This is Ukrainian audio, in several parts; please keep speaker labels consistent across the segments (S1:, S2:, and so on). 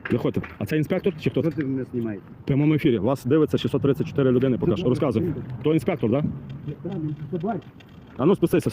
S1: Заходьте. А це інспектор чи хто?
S2: Що ти мене знімаєш?
S1: В прямому ефірі. Вас дивиться 634 людини поки що. Розказуй. Хто інспектор, так? Да? А ну спустися.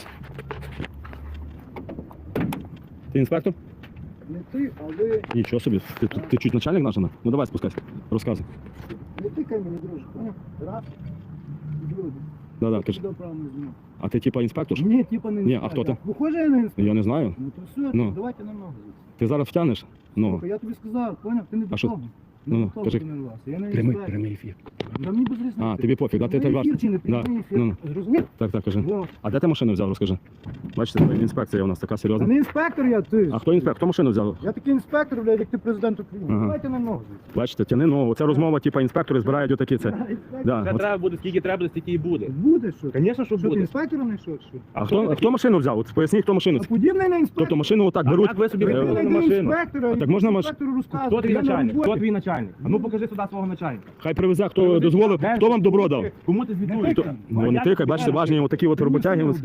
S1: Ти інспектор?
S2: Не ти, а ви...
S1: Нічого собі. Ти чуть начальник наш? Ну давай спускайся. Розказуй.
S2: Не тикай мені, друже. Поняв? Раз. Друге.
S1: Да, кажи.
S2: Сюди правильно знімав.
S1: А ти типа інспектор?
S2: Ні, типа не
S1: Ні, а хто ти?
S2: Похоже, я не інспектор.
S1: Я не знаю.
S2: Ну то все,
S1: Ну.
S2: давайте на ногу звідси.
S1: Ти зараз втягнеш? Ну.
S2: Слухай, я тобі сказав, поняв? Ти не до
S1: що?
S2: того.
S1: Ну,
S2: Не до того
S1: кажи.
S2: тренувався. Я не інспектор.
S1: Прямий ефір.
S2: Та мені без різниці.
S1: А, тобі пофіг, да? Ти
S2: Прямий
S1: так
S2: ефір чи не
S1: Да.
S2: прямий ефір?
S1: Ну.
S2: Зрозумів?
S1: Так, кажи.
S2: Ну.
S1: А де ти машину взяв, розкажи? Бачите, це інспекція у нас така
S2: Та
S1: серйозна.
S2: не інспектор я, ти.
S1: А хто інспектор? Хто машину взяв?
S2: Я такий інспектор, блядь, як ти президент України.
S1: Ага.
S2: Давайте на ногу звідси.
S1: Бачите, тяни ногу. Це розмова, типа інспектори збирають отакі це. Да.
S3: Це
S1: от.
S3: треба буде, скільки треба, стільки і буде.
S2: Буде що?
S3: Звісно, що
S2: Що ти
S3: буде.
S2: інспектором не йшов? Що?
S1: А хто машину взяв? От поясніть, хто машину.
S2: А подібний на інспектора.
S1: Тобто машину отак беруть.
S3: як ви собі
S1: е,
S3: вибрали
S2: Ти
S3: на машину?
S2: інспектора,
S1: А так можна
S2: інспектору розказувати.
S3: Хто твій
S2: Я на
S3: начальник?
S2: роботі.
S3: Хто твій начальник? А ну покажи сюди свого начальника.
S1: Хай привезе, хто дозволив, хто вам добро дав.
S3: Кому ти звітуєш?
S2: Хто?
S1: Ну не тикай, бачите, важні отакі от роботяги.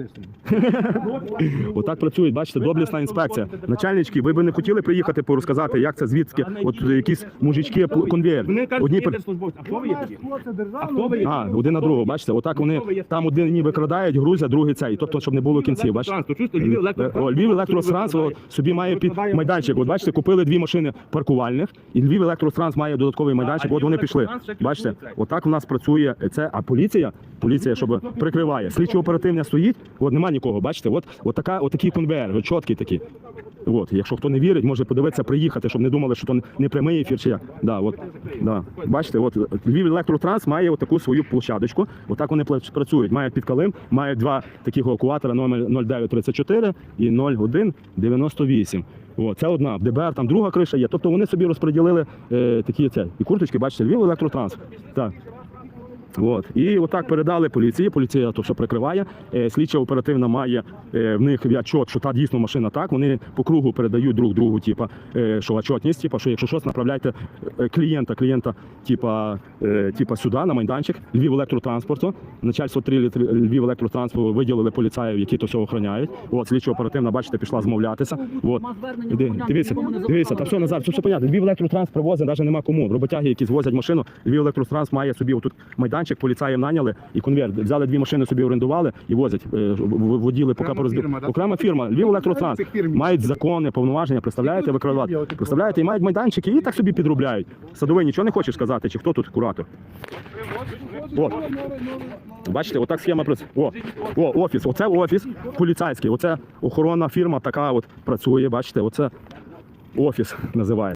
S1: Отак працюють, бачите, доблісна інспекція. Начальнички, ви б не хотіли приїхати порозказати, як це звідки, от якісь мужички, конвейер.
S3: Вони кажуть,
S1: Одні
S3: їдеш службовці. А хто ви є такі?
S2: А
S3: хто ви є?
S1: А, один на другого, бачите, отак вони там один викрадають, грузять, другий цей, тобто, щоб не було кінців, бачите. Львів електротранс собі має під майданчик. От бачите, купили дві машини паркувальних, і Львів електротранс має додатковий майданчик. От вони пішли. Бачите, отак у нас працює це. А поліція, щоб прикриває. Слідчо-оперативна стоїть, от нема нікого. Бачите, от такий конвейер, от чіткий такий. От, якщо хто не вірить, може подивитися, приїхати, щоб не думали, що то не прямий ефір чи як. Да, от, да. Бачите, от Львів електротранс має таку свою площадочку. Отак вони працюють. Мають під калим, мають два таких евакуатора номер 0934 і 0198. От, це одна. В ДБР там друга криша є. Тобто вони собі розподілили такі це. І курточки, бачите, Львів електротранс. Так. От. І отак передали поліції, поліція то все прикриває, слідча оперативна має в них відчот, що та дійсно машина так, вони по кругу передають друг другу, типа, що отчетність, типа, що якщо щось, направляйте клієнта сюди, на майданчик, Львів електротранспорту, начальство 3 Львів електротранспорту виділили поліцаїв, які то все охороняють. От, слідча оперативна, бачите, пішла змовлятися. От. Дивіться, та все, Назар, все понятно, Львів електротранс привозить, навіть нема кому. Роботяги, які звозять машину, Львів електротранс має собі отут майданчик, поліцаїв наняли і конвейер. Взяли дві машини, собі орендували і возять. Воділи поки порозбили. Окрема фірма, Львів електротранс. Мають закони, повноваження, представляєте, викривати. Представляєте, і мають майданчики, і так собі підробляють. Садовий, нічого не хочеш сказати, чи хто тут куратор? От. Бачите, отак схема працює. Офіс. Оце офіс поліцейський. Оце охоронна фірма така от працює, бачите, оце офіс називається.